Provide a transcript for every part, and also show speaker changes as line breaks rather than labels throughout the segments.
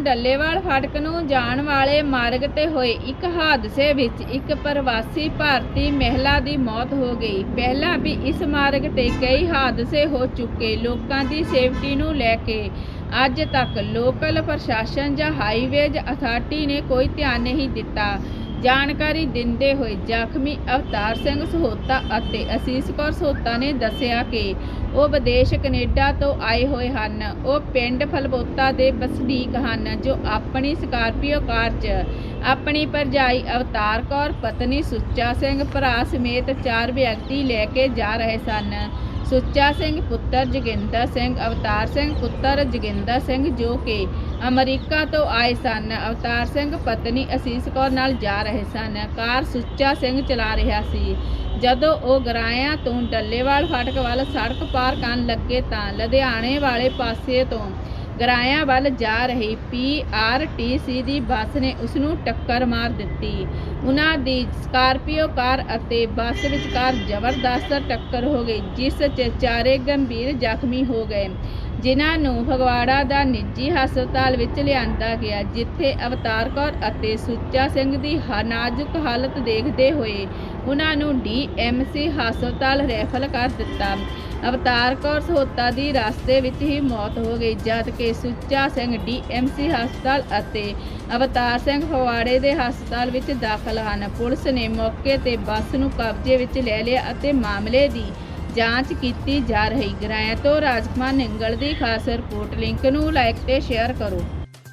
ਡੱਲੇਵਾਲ ਫਾਟਕ ਨੂੰ ਜਾਣ ਵਾਲੇ ਮਾਰਗ ਤੇ ਹੋਏ ਇੱਕ ਹਾਦਸੇ ਵਿੱਚ ਇੱਕ ਪ੍ਰਵਾਸੀ ਭਾਰਤੀ ਮਹਿਲਾ ਦੀ ਮੌਤ ਹੋ ਗਈ। ਪਹਿਲਾਂ ਵੀ ਇਸ ਮਾਰਗ ਤੇ ਕਈ ਹਾਦਸੇ ਹੋ ਚੁੱਕੇ। ਲੋਕਾਂ ਦੀ ਸੇਫਟੀ ਨੂੰ ਲੈ ਕੇ ਅੱਜ ਤੱਕ ਲੋਕਲ ਪ੍ਰਸ਼ਾਸਨ ਜਾਂ ਹਾਈਵੇਜ਼ ਅਥਾਰਟੀ ਨੇ ਕੋਈ ਧਿਆਨ ਨਹੀਂ ਦਿੱਤਾ। ਜਾਣਕਾਰੀ ਦਿੰਦੇ ਹੋਏ ਜ਼ਖਮੀ ਅਵਤਾਰ ਸਿੰਘ ਸਹੋਤਾ ਅਤੇ ਅਸੀਸ ਕੌਰ ਸਹੋਤਾ ਨੇ ਦੱਸਿਆ ਕਿ ਉਹ ਵਿਦੇਸ਼ ਕੈਨੇਡਾ ਤੋਂ ਆਏ ਹੋਏ ਹਨ। ਉਹ ਪਿੰਡ ਫਲਬੋਤਾ ਦੇ ਵਸਨੀਕ ਹਨ ਜੋ ਆਪਣੀ ਸਕਾਰਪੀਓ ਕਾਰ 'ਚ ਆਪਣੀ ਭਰਜਾਈ ਅਵਤਾਰ ਕੌਰ, ਪਤਨੀ ਸੁੱਚਾ ਸਿੰਘ, ਭਰਾ ਸਮੇਤ 4 ਵਿਅਕਤੀ ਲੈ ਕੇ ਜਾ ਰਹੇ ਸਨ। ਸੁੱਚਾ ਸਿੰਘ ਪੁੱਤਰ ਜੋਗਿੰਦਰ ਸਿੰਘ, ਅਵਤਾਰ ਸਿੰਘ ਪੁੱਤਰ ਜੋਗਿੰਦਰ ਸਿੰਘ ਜੋ ਕਿ ਅਮਰੀਕਾ ਤੋਂ ਆਏ ਸਨ। ਅਵਤਾਰ ਸਿੰਘ ਪਤਨੀ ਅਸੀਸ ਕੌਰ ਨਾਲ ਜਾ ਰਹੇ ਸਨ। ਕਾਰ ਸੁੱਚਾ ਸਿੰਘ ਚਲਾ ਰਿਹਾ ਸੀ। ਜਦੋਂ ਉਹ ਗਰਾਇਆਂ ਤੋਂ ਡੱਲੇਵਾਲ ਫਾਟਕ ਵੱਲ ਸੜਕ ਪਾਰ ਕਰਨ ਲੱਗੇ ਤਾਂ ਲੁਧਿਆਣੇ ਵਾਲੇ ਪਾਸੇ ਤੋਂ ਗਰਾਇਆਂ ਵੱਲ ਜਾ ਰਹੀ PRTC ਦੀ ਬੱਸ ਨੇ ਉਸ ਨੂੰ ਟੱਕਰ ਮਾਰ ਦਿੱਤੀ। ਉਹਨਾਂ ਦੀ ਸਕਾਰਪੀਓ ਕਾਰ ਅਤੇ ਬੱਸ ਵਿਚਕਾਰ ਜ਼ਬਰਦਸਤ ਟੱਕਰ ਹੋ ਗਈ, ਜਿਸ 'ਚ 4 ਗੰਭੀਰ ਜ਼ਖਮੀ ਹੋ ਗਏ, ਜਿਨ੍ਹਾਂ ਨੂੰ ਫਗਵਾੜਾ ਦਾ ਨਿੱਜੀ ਹਸਪਤਾਲ ਵਿੱਚ ਲਿਆਂਦਾ ਗਿਆ, ਜਿੱਥੇ ਅਵਤਾਰ ਕੌਰ ਅਤੇ ਸੁੱਚਾ ਸਿੰਘ ਦੀ ਨਾਜ਼ੁਕ ਹਾਲਤ ਦੇਖਦੇ ਹੋਏ ਉਹਨਾਂ ਨੂੰ DMC ਹਸਪਤਾਲ ਰੈਫਰ ਕਰ ਦਿੱਤਾ। ਅਵਤਾਰ ਕੌਰ ਸਹੋਤਾ ਦੀ ਰਸਤੇ ਵਿੱਚ ਹੀ ਮੌਤ ਹੋ ਗਈ, ਜਦਕਿ ਸੁੱਚਾ ਸਿੰਘ DMC ਹਸਪਤਾਲ ਅਤੇ ਅਵਤਾਰ ਸਿੰਘ ਫਗਵਾੜੇ ਦੇ ਹਸਪਤਾਲ ਵਿੱਚ ਦਾਖਲ ਹਨ। ਪੁਲਿਸ ਨੇ ਮੌਕੇ ਤੇ ਬੱਸ ਨੂੰ ਕਬਜ਼ੇ ਵਿੱਚ ਲੈ ਲਿਆ ਅਤੇ ਮਾਮਲੇ ਦੀ ਜਾਂਚ ਕੀਤੀ ਜਾ ਰਹੀ। ਗਰਾਇਆ ਤੋਂ ਰਾਜਕੁਮਾਰ ਨਿੰਗਲ ਦੀ ਖਾਸ ਰਿਪੋਰਟ। ਲਿੰਕ ਨੂੰ ਲਾਈਕ ਤੇ ਸ਼ੇਅਰ ਕਰੋ।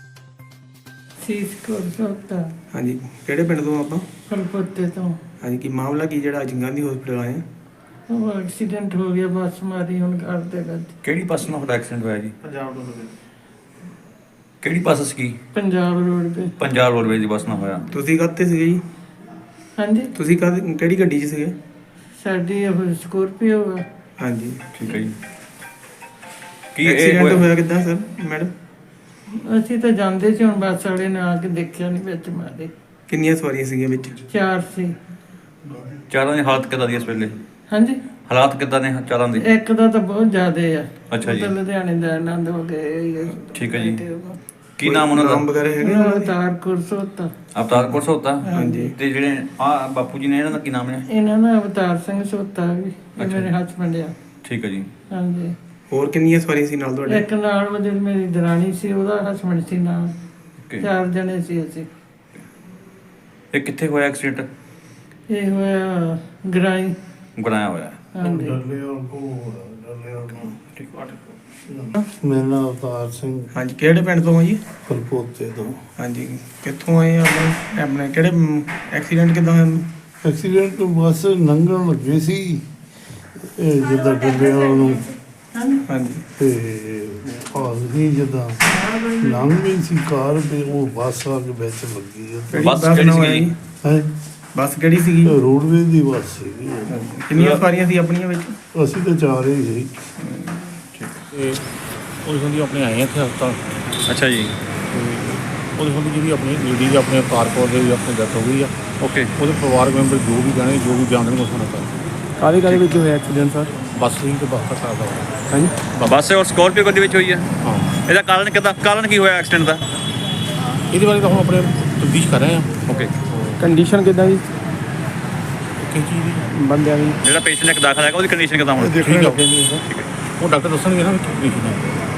ਸੀਸ ਕੌਰ ਸਹੋਤਾ
ਹਾਂਜੀ, ਕਿਹੜੇ ਪਿੰਡ ਤੋਂ ਆਪਾਂ?
ਫਲਪੋਤੇ ਤੋਂ।
ਹਾਂਜੀ, ਕੀ ਮਾਮਲਾ ਕੀ ਜਿਹੜਾ ਅੱਜ ਗਾਂਧੀ ਹਸਪੀਟਲ ਆਏ ਆ?
ਉਹ ਐਕਸੀਡੈਂਟ ਹੋ ਗਿਆ, ਬੱਸ ਮਾਰੀ ਹੁਣ ਕਰਦੇ ਕਰਦੇ।
ਕਿਹੜੀ ਬੱਸ ਨਾਲ ਤੁਹਾਡਾ ਐਕਸੀਡੈਂਟ ਹੋਇਆ ਜੀ?
ਪੰਜਾਬ ਤੋਂ
ਕਿਹੜੀ ਬੱਸ ਸੀ?
ਪੰਜਾਬ ਰੋਡ ਤੇ।
ਪੰਜਾਬ ਰੋਡਵੇਜ਼ ਦੀ ਬੱਸ ਨਾਲ ਹੋਇਆ।
ਤੁਸੀਂ ਕਾਹਤੇ ਸੀਗੇ ਜੀ?
ਹਾਂਜੀ,
ਤੁਸੀਂ ਕਿਹੜੀ ਗੱਡੀ 'ਚ ਸੀਗੇ?
ਸਾਡੀ ਉਹ ਸਕੋਰਪੀਓ ਆ।
ਹਾਂਜੀ,
ਠੀਕ ਹੈ ਜੀ। ਕੀ ਇਹ
ਐਕਸੀਡੈਂਟ ਹੋਇਆ ਕਿੱਦਾਂ ਸਰ ਮੈਡਮ?
ਅਸੀਂ ਤਾਂ ਜਾਂਦੇ ਸੀ, ਹੁਣ ਬੱਸ ਵਾਲੇ ਨੇ ਆ ਕੇ ਦੇਖਿਆ ਨਹੀਂ, ਵਿੱਚ ਮਾਰੇ।
ਕਿੰਨੀਆਂ ਸਵਾਰੀਆਂ ਸੀਗੀਆਂ ਵਿੱਚ?
4 ਸੀ।
ਚਾਰਾਂ ਦੀ ਹਾਲਤ ਕਿੱਦਾਂ ਦੀ ਇਸ ਵੇਲੇ?
ਹਾਂਜੀ,
ਹਾਲਾਤ ਕਿੱਦਾਂ ਨੇ ਚਾਰਾਂ ਦੀ?
ਇੱਕ ਦਾ ਤਾਂ ਬਹੁਤ ਜ਼ਿਆਦਾ ਆ।
ਅੱਛਾ ਜੀ।
ਉਹ ਤਾਂ ਲੁਧਿਆਣੇ ਦਾ ਆਨੰਦ ਹੋ ਗਏ।
ਠੀਕ ਹੈ ਜੀ। ਕੀ ਨਾਮ ਉਹਨਾਂ
ਨਾਮ
ਦਾ?
ਵਗੈਰਾ ਹੈਗੇ ਉਹਨਾਂ ਦੇ?
ਅਵਤਾਰ ਕੌਰ ਸਹੋਤਾ।
ਅਵਤਾਰ ਕੌਰ ਸਹੋਤਾ।
ਹਾਂਜੀ।
ਤੇ ਜਿਹੜੇ ਆ ਬਾਪੂ ਜੀ ਨੇ ਇਹਨਾਂ ਦਾ ਕੀ ਨਾਮ ਹੈ?
ਇਹਨਾਂ ਦਾ ਅਵਤਾਰ ਸਿੰਘ ਸਹੋਤਾ ਵੀ, ਇਹ
ਅੱਛਾ
ਮੇਰੇ
ਜੀ।
ਹਸਬੈਂਡ ਆ।
ਠੀਕ ਹੈ ਜੀ।
ਹਾਂਜੀ,
ਹੋਰ ਕਿੰਨੀਆਂ ਸਵਾਰੀਆਂ ਸੀ ਨਾਲ ਤੁਹਾਡੇ?
ਇੱਕ ਨਾਲ ਉਹਦੀ ਮੇਰੀ ਦਰਾਣੀ ਸੀ, ਉਹਦਾ ਹਸਬੈਂਡ ਸੀ ਨਾਲ।
ਓਕੇ।
4 ਜਣੇ ਸੀ ਅਸੀਂ।
ਇਹ ਕਿੱਥੇ ਹੋਇਆ ਐਕਸੀਡੈਂਟ?
ਇਹ ਹੋਇਆ ਗਰਾਈ।
ਬਣਾਇਆ ਹੋਇਆ।
ਹਾਂਜੀ,
ਮੇਰਾ ਨਾਮ ਅਵਤਾਰ ਸਿੰਘ
ਹਾਂਜੀ, ਕਿਹੜੇ ਪਿੰਡ ਤੋਂ ਆ ਜੀ?
ਫਲਪੋਤੇ ਤੋਂ।
ਹਾਂਜੀ, ਕਿੱਥੋਂ ਆਏ ਆ ਆਪਣੇ ਕਿਹੜੇ ਐਕਸੀਡੈਂਟ ਕਿੱਦਾਂ ਹੋਇਆ?
ਐਕਸੀਡੈਂਟ ਬੱਸ ਲੰਘਣ ਲੱਗੇ ਸੀ ਜਿੱਦਾਂ ਡੱਲੇਵਾਲ ਨੂੰ,
ਹਾਂਜੀ,
ਤੇ ਆਦਮੀ ਜਿੱਦਾਂ ਲੰਘ ਗਈ ਸੀ ਕਾਰ, ਤੇ ਉਹ ਬੱਸ ਆ ਕੇ ਵਿੱਚ ਲੱਗੀ
ਕਿਹੜੀ
ਬੱਸ
ਬੱਸ
ਕਿਹੜੀ
ਨਾਲ ਹੋਇਆ
ਸੀਗੀ?
ਜੀ?
ਹੈ।
ਬੱਸ ਕਿਹੜੀ ਸੀਗੀ?
ਰੋਡਵੇਜ਼ ਦੀ ਬੱਸ ਸੀਗੀ।
ਕਿੰਨੀਆਂ ਸਵਾਰੀਆਂ ਸੀ ਆਪਣੀਆਂ ਵਿੱਚ?
ਅਸੀਂ ਤਾਂ 4 ਹੀ ਸੀ।
ਤੇ ਉਹਦੇ ਸੰਬੰਧੀ ਆਪਣੇ ਆਏ ਹਾਂ ਇੱਥੇ ਹਸਪਤਾਲ।
ਅੱਛਾ ਜੀ।
ਤੇ ਉਹਦੇ ਸੰਬੰਧੀ ਜਿਹੜੀ ਆਪਣੀ ਲੇਡੀ ਆਪਣੇ ਅਵਤਾਰ ਕੌਰ ਦੇ ਆਪਣੀ ਡੈਥ ਹੋ ਗਈ ਆ।
ਓਕੇ।
ਉਹਦੇ ਪਰਿਵਾਰਕ ਮੈਂਬਰ ਜੋ ਵੀ ਜਾਣੇ, ਜੋ ਵੀ ਜਾਣਦੇ ਉਸ ਨਾਲ ਕਰ
ਕਾਹਦੇ ਵਿੱਚ ਹੋਇਆ ਐਕਸੀਡੈਂਟ ਸਰ?
ਬੱਸ ਲਈ ਤੇ ਬੱਸ ਦਾ ਸਾਦਾ
ਹਾਂਜੀ,
ਬੱਸ ਔਰ ਸਕਾਰਪੀਓ ਗੱਡੀ ਵਿੱਚ ਹੋਈ ਹੈ।
ਹਾਂ।
ਇਹਦਾ ਕਾਰਨ ਕੀ ਹੋਇਆ ਐਕਸੀਡੈਂਟ ਦਾ?
ਇਹਦੇ ਬਾਰੇ ਤਾਂ ਹੁਣ ਆਪਣੇ ਤਫਤੀਸ਼ ਕਰ ਰਹੇ ਹਾਂ।
ਓਕੇ।
ਕੰਡੀਸ਼ਨ ਕਿੱਦਾਂ ਜੀ
ਕਿਸ ਚੀਜ਼ ਦੀ?
ਬੰਦਿਆਂ ਦੀ?
ਜਿਹੜਾ ਪੇਸ਼ੈਂਟ ਇੱਕ ਦਾਖਲ ਹੈਗਾ ਉਹਦੀ ਕੰਡੀਸ਼ਨ ਕਿੱਦਾਂ ਹੁਣ?
ਠੀਕ ਹੈ। ਉਹ ਡਾਕਟਰ ਦੱਸਣਗੇ ਨਾ ਕਿ ਕੀ ਹੈ।